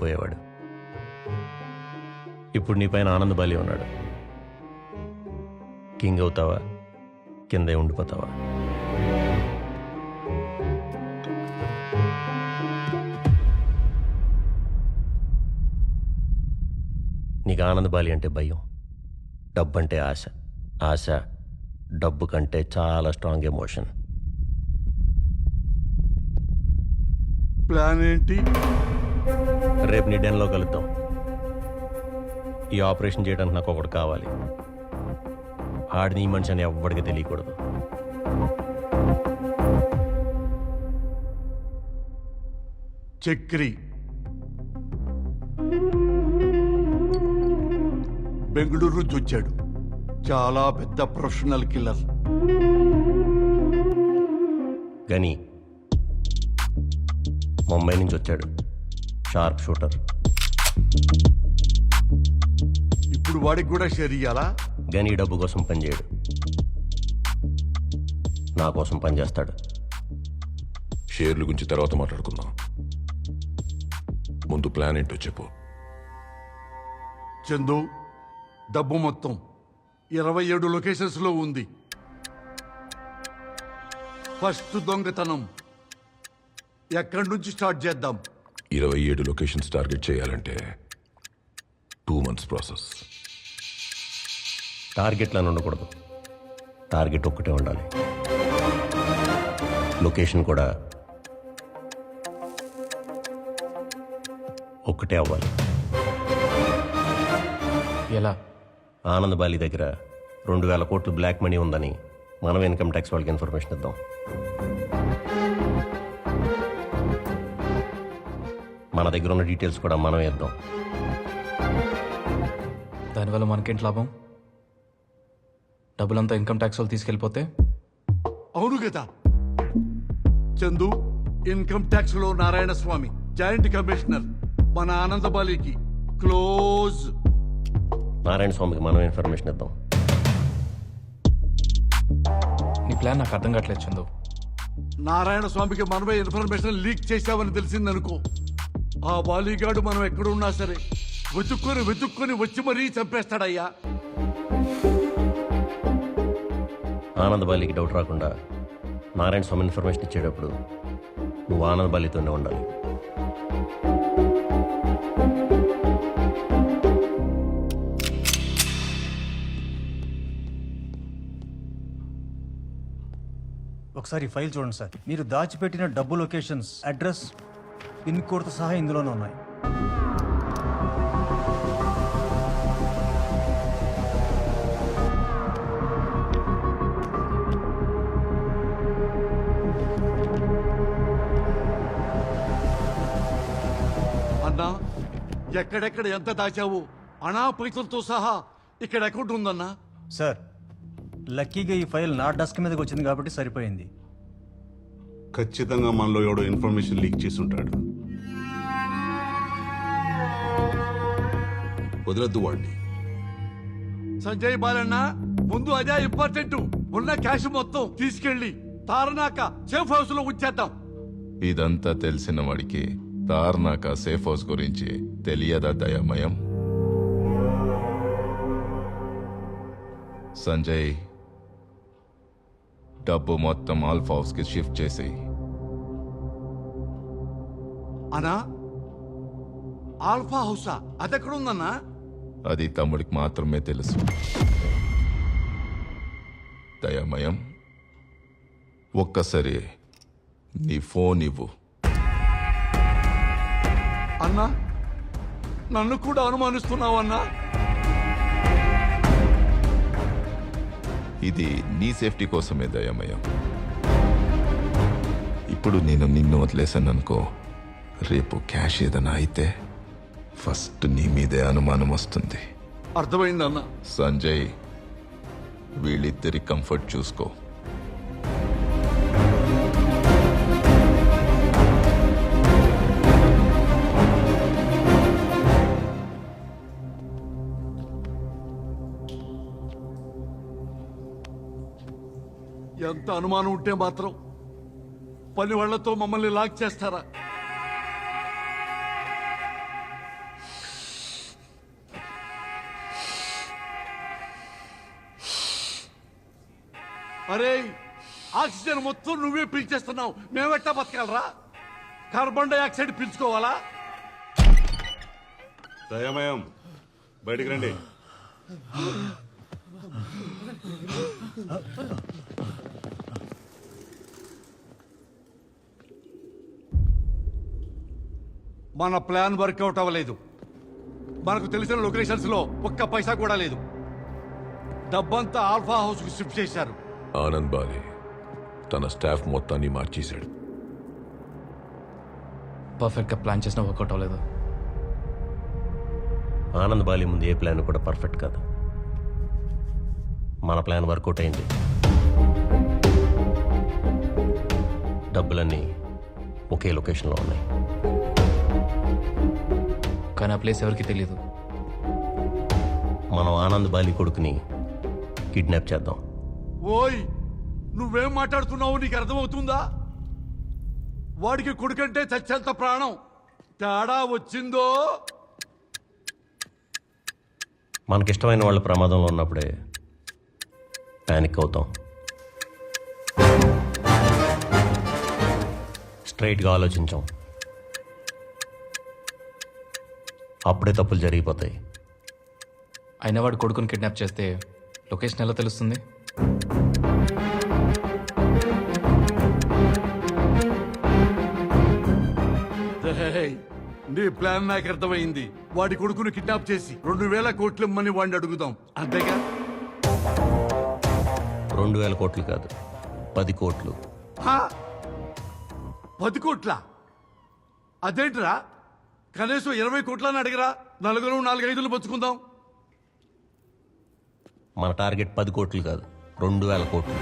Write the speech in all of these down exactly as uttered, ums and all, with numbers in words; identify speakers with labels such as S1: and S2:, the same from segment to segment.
S1: అయిపోయేవాడు. ఇప్పుడు నీ పైన ఆనంద్ బాలి ఉన్నాడు. కింగ్ అవుతావా, కిందే ఉండిపోతావా? నీకు ఆనంద్ బాలి అంటే భయం, డబ్బు అంటే ఆశ. ఆశ డబ్బు కంటే చాలా స్ట్రాంగ్ ఎమోషన్.
S2: ప్లాన్ ఏంటి?
S1: రేపు నీ డెన్లో కలుద్దాం. ఈ ఆపరేషన్ చేయడానికి నాకు ఒకటి కావాలి. ఆడిని ఈ మనిషి అని ఎవ్వడికి తెలియకూడదు.
S2: చక్రి బెంగళూరు నుంచి వచ్చాడు. చాలా పెద్ద ప్రొఫెషనల్ కిల్లర్.
S1: గని ముంబై నుంచి వచ్చాడు. Sharp shooter.
S2: ఇప్పుడు వాడికి కూడా షేర్ ఇయ్యాలా?
S1: గని డబ్బు కోసం పనిచేయడు, నా కోసం పనిచేస్తాడు.
S3: షేర్ల గురించి తర్వాత మాట్లాడుకుందాం. ముందు ప్లాన్ ఏంటో చెప్పు.
S2: చందు, డబ్బు మొత్తం ఇరవై ఏడు లొకేషన్స్ లో ఉంది. ఫస్ట్ దొంగతనం ఎక్కడి నుంచి స్టార్ట్ చేద్దాం?
S3: ఇరవై ఏడు లొకేషన్స్ టార్గెట్ చేయాలంటే టూ మంత్స్ ప్రాసెస్.
S1: టార్గెట్లను ఉండకూడదు, టార్గెట్ ఒక్కటే ఉండాలి. లొకేషన్ కూడా ఒక్కటే అవ్వాలి.
S4: ఎలా?
S1: ఆనంద్ బాలి దగ్గర రెండు వేల కోట్లు బ్లాక్ మనీ ఉందని మనం ఇన్కమ్ ట్యాక్స్ వాళ్ళకి ఇన్ఫర్మేషన్ ఇద్దాం. మన దగ్గర ఉన్న డీటెయిల్స్ కూడా మనం ఇద్దాం.
S4: దానివల్ల మనకేంటి లాభం? డబ్బులంతా ఇన్కమ్ ట్యాక్స్ వాళ్ళు తీసుకెళ్ళిపోతే?
S2: అవును కదా చందు, ఇన్కమ్ ట్యాక్స్ లో నారాయణ స్వామి జాయింట్ కమిషనర్ మన ఆనందబాలికి క్లోజ్.
S1: నారాయణ స్వామికి మనం ఇన్ఫర్మేషన్ ఇద్దాం.
S4: నీ ప్లాన్ నాకు అర్థం కావట్లేదు చందు.
S2: నారాయణ స్వామికి మనమే ఇన్ఫర్మేషన్ లీక్ చేశామని తెలిసిందనుకో, ఆ బాలీగాడు మనం ఎక్కడున్నా సరే వెతుక్కొని వెతుక్కొని వచ్చి మరీ చంపేస్తాడయ్యా.
S1: ఆనంద్ బాలికి డౌట్ రాకుండా నారాయణ స్వామి ఇన్ఫర్మేషన్ ఇచ్చేటప్పుడు నువ్వు ఆనంద్ బాలితోనే ఉండాలి.
S5: ఒకసారి ఫైల్ చూడండి సార్. మీరు దాచిపెట్టిన డబ్బు లొకేషన్స్, అడ్రస్, పిన్ కోడ్తో సహా ఇందులోనే ఉన్నాయి.
S2: అన్నా, ఎక్కడెక్కడ ఎంత దాచావు అనా పైసలతో సహా ఇక్కడ అకౌంట్ ఉందన్నా.
S5: సార్, లక్కీగా ఈ ఫైల్ నా డెస్క్ మీదకి వచ్చింది కాబట్టి సరిపోయింది.
S6: ఖచ్చితంగా మనలో ఎవడో ఇన్ఫర్మేషన్ లీక్ చేసి ఉంటాడు.
S3: వదలద్దు వాడిని.
S2: సంజయ్ బాలన్న, ముందు అదే ఇంపార్టెంట్. ఉన్న క్యాష్ మొత్తం తీసుకెళ్లి తారనాక సేఫ్ హౌస్ లో ఉంచేద్దాం.
S7: ఇదంతా తెలిసిన వాడికి తార్నాక సేఫ్ హౌస్ గురించి తెలియదా దయామయం? సంజయ్, డబ్బు మొత్తం ఆల్ఫా హౌస్ కి షిఫ్ట్ చేసి.
S2: అనా, ఆల్ఫా హౌసా? అదెక్కడుందన్నా?
S7: అది తమ్ముడికి మాత్రమే తెలుసు. దయామయం, ఒక్కసారి నీ ఫోన్ ఇవ్వు.
S2: అన్నా, నన్ను కూడా అనుమానిస్తున్నావన్నా?
S7: ఇది నీ సేఫ్టీ కోసమే దయామయం. ఇప్పుడు నేను నిన్ను వదిలేశాను అనుకో, రేపు క్యాష్ ఏదైనా అయితే ఫస్ట్ నీ మీదే అనుమానం వస్తుంది.
S2: అర్థమైందన్నా.
S7: సంజయ్, వీళ్ళిద్దరి కంఫర్ట్ చూసుకో.
S2: ఎంత అనుమానం ఉంటే మాత్రం పని వాళ్లతో మమ్మల్ని లాక్ చేస్తారా? అరే ఆక్సిజన్ మొత్తం నువ్వే పీల్చేస్తున్నావు, మేమెట్టా బతకాలరా? Carbon dioxide పీల్చుకోవాలా?
S6: దయమయం బయటికి రండి.
S2: మన ప్లాన్ వర్కౌట్ అవ్వలేదు. మనకు తెలిసిన లొకేషన్స్ లో ఒక్క పైసా కూడా లేదు. డబ్బంతా ఆల్ఫా హౌస్ కు షిఫ్ట్ చేశారు.
S3: ఆనంద్ బాలి తన స్టాఫ్ మొత్తాన్ని మార్చేశాడు.
S4: పర్ఫెక్ట్గా ప్లాన్ చేసినా వర్కౌట్ అవ్వలేదు.
S1: ఆనంద్ బాలి ముందు ఏ ప్లాన్ కూడా పర్ఫెక్ట్ కాదు. మన ప్లాన్ వర్కౌట్ అయింది. డబ్బులన్నీ ఒకే లొకేషన్లో ఉన్నాయి.
S4: కానీ ఆ ప్లేస్ ఎవరికి తెలియదు.
S1: మనం ఆనంద్ బాలి కొడుకుని కిడ్నాప్ చేద్దాం.
S2: ఓయ్ నువ్వేం మాట్లాడుతున్నావు? నీకు అర్థమవుతుందా? వాడికి కొడుకంటే చచ్చేంత ప్రాణం. తేడా వచ్చిందో
S1: మనకిష్టమైన వాళ్ళ ప్రమాదంలో ఉన్నప్పుడే ప్యానిక్ అవుతాం. స్ట్రైట్గా ఆలోచించాం, అప్పుడే తప్పులు జరిగిపోతాయి.
S4: అయినా వాడు కొడుకుని కిడ్నాప్ చేస్తే లొకేషన్ ఎలా తెలుస్తుంది?
S2: రేయ్, నీ ప్లాన్ నాకు అర్థమైంది. వాడి కొడుకును కిడ్నాప్ చేసి రెండు వేల కోట్లు ఇమ్మని వాడిని అడుగుదాం, అంతేగా?
S1: రెండు వేల కోట్లు కాదు, పది కోట్లు.
S2: హా? పది కోట్ల? అదేంట్రా, కనీసం ఇరవై కోట్లని అడిగరా? నలుగురు నాలుగైదులు పంచుకుందాం.
S1: మన టార్గెట్ పది కోట్లు కాదు, రెండు వేల కోట్లు.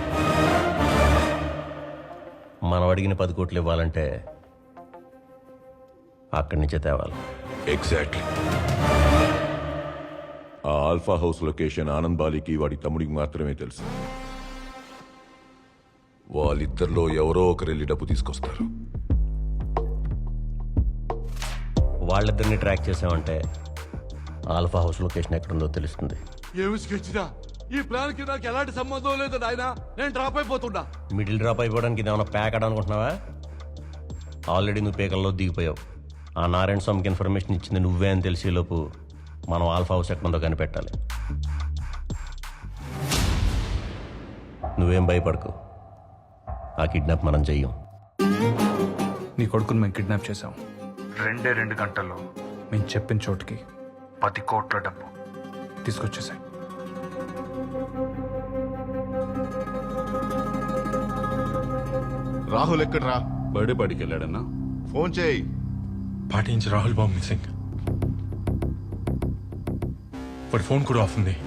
S1: మనం అడిగిన పది కోట్లు ఇవ్వాలంటే అక్కడి నుంచే తేవాలి.
S3: ఎగ్జాక్ట్లీ. ఆ ఆల్ఫా హౌస్ లొకేషన్ ఆనంద్ బాలికి వాడి తమ్ముడికి మాత్రమే తెలుసు. వాళ్ళిద్దరిలో ఎవరో ఒకరు వెళ్ళి డబ్బు తీసుకొస్తారు.
S1: వాళ్ళిద్దరిని ట్రాక్ చేసామంటే ఆల్ఫా హౌస్ లొకేషన్ ఎక్కడుందో తెలుస్తుంది.
S2: ఏమి స్కెచ్దా? ఈ ప్లాన్ కి నాకు ఎలాంటి సంబంధం లేదు నాయనా. నేను డ్రాప్ అయిపోతున్నా.
S1: మిడిల్ డ్రాప్ అయిపోవడానికి ఇదేమన్నా ప్యాక్ అనుకుంటున్నావా? ఆల్రెడీ నువ్వు పేకల్లో దిగిపోయావు. ఆ నారాయణ స్వామికి ఇన్ఫర్మేషన్ ఇచ్చింది నువ్వే అని తెలిసేలోపు మనం ఆల్ఫా హౌస్ ఎక్కడుందో కనిపెట్టాలి. నువ్వేం భయపడకు, ఆ కిడ్నాప్ మనం చెయ్యం.
S4: నీ కొడుకుని మేము కిడ్నాప్ చేసాం. రెండే రెండు గంటల్లో మేము చెప్పిన చోటుకి పది కోట్ల డబ్బు తీసుకొచ్చేసాయి.
S6: రాహుల్ ఎక్కడ్రా? బర్త్డే పార్టీకి వెళ్ళాడన్నా? ఫోన్ చేయి.
S8: పార్టీ నుంచి రాహుల్ బాబు మిస్సింగ్. వాడి ఫోన్ కూడా ఆఫ్ ఉంది.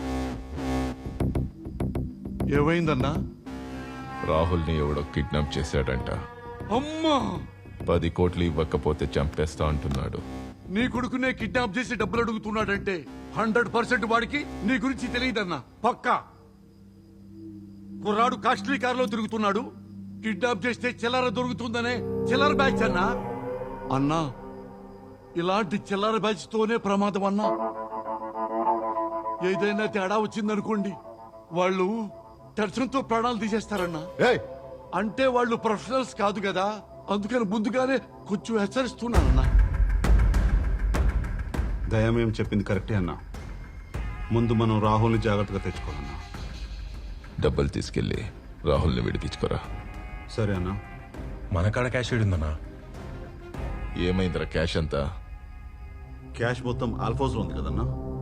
S2: ఏమైందన్నా?
S7: రాహుల్ని ఎవడో కిడ్నాప్ చేశాడంట.
S2: అమ్మా,
S7: పది కోట్లు ఇవ్వకపోతే చంపేస్తా అంటున్నాడు.
S2: నీ కొడుకునే కిడ్నాప్ చేసి డబ్బులు అడుగుతున్నాడంటే హండ్రెడ్ పర్సెంట్ వాడికి నీ గురించి తెలియదన్నా, పక్కా. కుర్రాడు కాస్ట్లీ కారులో తిరుగుతున్నాడు. కిడ్నాప్ చేస్తే చిల్లర దొరుకుతుందనే చిల్లర బ్యాచ్ అన్నా. అన్నా, ఇలాంటి చిల్లర బ్యాచ్ తోనే ప్రమాదం అన్నా. ఏదైనా తేడా వచ్చిందనుకోండి, వాళ్ళు టెన్షన్తో ప్రాణాలు తీసేస్తారన్నా. అంటే వాళ్ళు ప్రొఫెషనల్స్ కాదు కదా, అందుకని ముందుగానే కొంచెం హెచ్చరిస్తున్నానన్నా.
S6: దయమేం చెప్పింది కరెక్టే అన్నా. ముందు మనం రాహుల్ని జాగ్రత్తగా తెచ్చుకోవాలన్నా.
S7: డబ్బులు తీసుకెళ్ళి రాహుల్ని విడిపించుకోరా.
S6: సరే అన్నా.
S8: మన కాడ క్యాష్ ఉందన్నా.
S7: ఏమైందిరా క్యాష్ అంతా?
S6: క్యాష్ మొత్తం ఆల్ఫోస్లో ఉంది కదన్నా.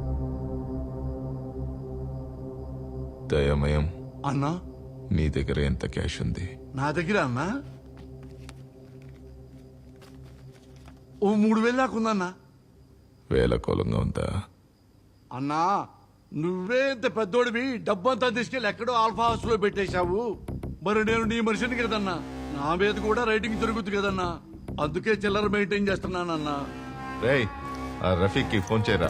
S7: దయమయం,
S2: అన్నా,
S7: నీ దగ్గర ఎంత క్యాష్ ఉంది?
S2: నా దగ్గర అన్నా ఓ మూడు వేలు దాకుందన్నా.
S7: వేల కోలంగా ఉందా?
S2: అన్నా, నువ్వే ఇంత పెద్దోడివి డబ్బంతా తీసుకెళ్ళి ఎక్కడో ఆల్ఫా హౌస్ లో పెట్టేశావు. మరి నేను నీ మనిషిని కదన్నా, నా మీద కూడా రైటింగ్ జరుగుతుంది కదన్నా. అందుకే చిల్లర మెయింటైన్ చేస్తున్నానన్నా.
S7: రేయ్, ఆ రఫీక్కి ఫోన్ చేయరా.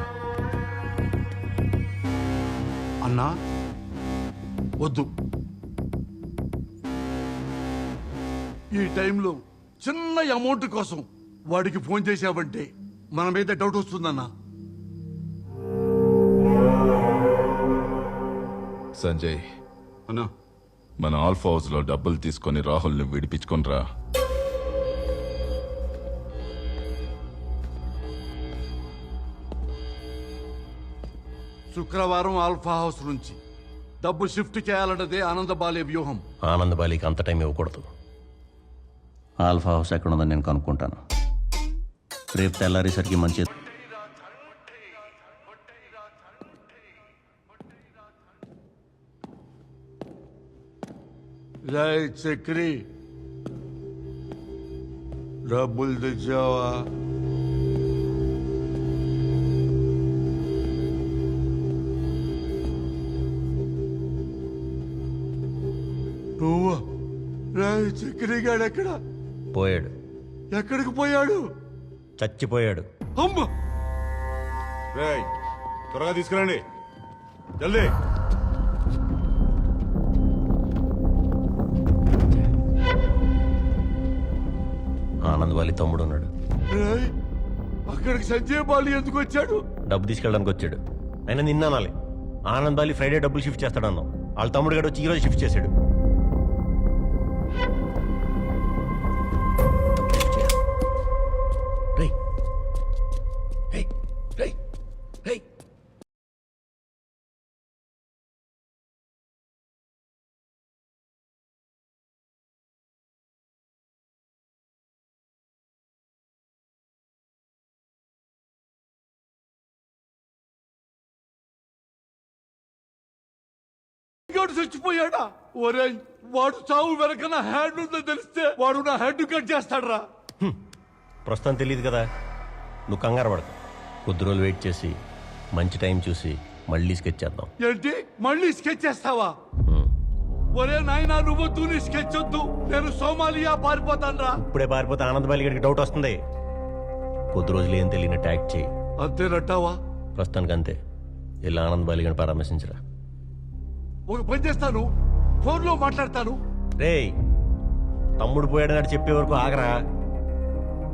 S2: అన్నా వద్దు. ఈ టైంలో చిన్న అమౌంట్ కోసం వాడికి ఫోన్ చేశావంటే మన మీద డౌట్ వస్తుందన్నా.
S7: సంజయ్,
S6: అన్నా
S7: మన ఆల్ఫా హౌస్లో డబ్బులు తీసుకొని రాహుల్ని విడిపించుకొని రా.
S2: శుక్రవారం ఆల్ఫా హౌస్ నుంచి డబ్బు షిఫ్ట్ చేయాలన్నదే ఆనందబాలే వ్యూహం.
S1: ఆనందబాలికి అంత టైం ఇవ్వకూడదు. ఆల్ఫా హౌస్ ఎక్కడ ఉందని నేను కనుక్కుంటాను. రేపు తెల్లారేసరికి మంచి
S2: రై చక్రి, డబ్బులు తెచ్చావా? నువ్వా? రై చక్రి గాడు ఎక్కడ?
S1: పోయాడు.
S2: ఎక్కడికి పోయాడు?
S1: చచ్చిపోయాడు.
S2: అమ్మ,
S6: రేయ్ త్వరగా తీసుకురండి, జల్దీ.
S1: ఆనందబాలి తమ్ముడు ఉన్నాడు.
S2: రేయ్ అక్కడికి సంజయ్ బాలి ఎందుకు వచ్చాడు?
S1: డబ్బు తీసుకెళ్ళడానికి వచ్చాడు. అయినా నిన్న అనాలి. ఆనందబాలి ఫ్రైడే డబ్బులు షిఫ్ట్ చేస్తాడన్నావు. వాళ్ళ తమ్ముడు గడు వచ్చి ఈరోజు షిఫ్ట్ చేశాడు. రేయ్, రేయ్, రేయ్, రేయ్.
S2: గాడు చచ్చిపోయాడా? ఒరేయ్, వాడు చావు వెనక నా హ్యాండ్ ఉందని తెలిస్తే వాడు నా హెడ్ కట్ చేస్తాడ్రా.
S1: ప్రస్తుతం తెలియదు కదా, నువ్వు కంగారు పడకు. కొద్ది రోజులు వెయిట్ చేసి మంచి టైం చూసి మళ్ళీ స్కెచ్ చేద్దాం.
S2: ఏంటి మళ్ళీ స్కెచ్ చేస్తావా? ఒరే నాయనా, నువ్వు తూని స్కెచ్ వద్దు. నేను సోమాలియా పారిపోతాన్రా.
S1: ఇప్పుడే పారిపోతే ఆనందబాలి గడికి డౌట్ వస్తుంది. కొద్ది రోజులు ఏం తెలియని ట్యాక్ చేయి.
S2: అంతేనట్టావా?
S1: ప్రస్తుతానికి అంతే. ఇలా ఆనందబాలి గడిని పరామర్శించరా.
S2: ఒక పని చేస్తాను, ఫోన్లో మాట్లాడతాను.
S1: రేయ్, తమ్ముడు పోయాడని చెప్పే వరకు ఆగరా.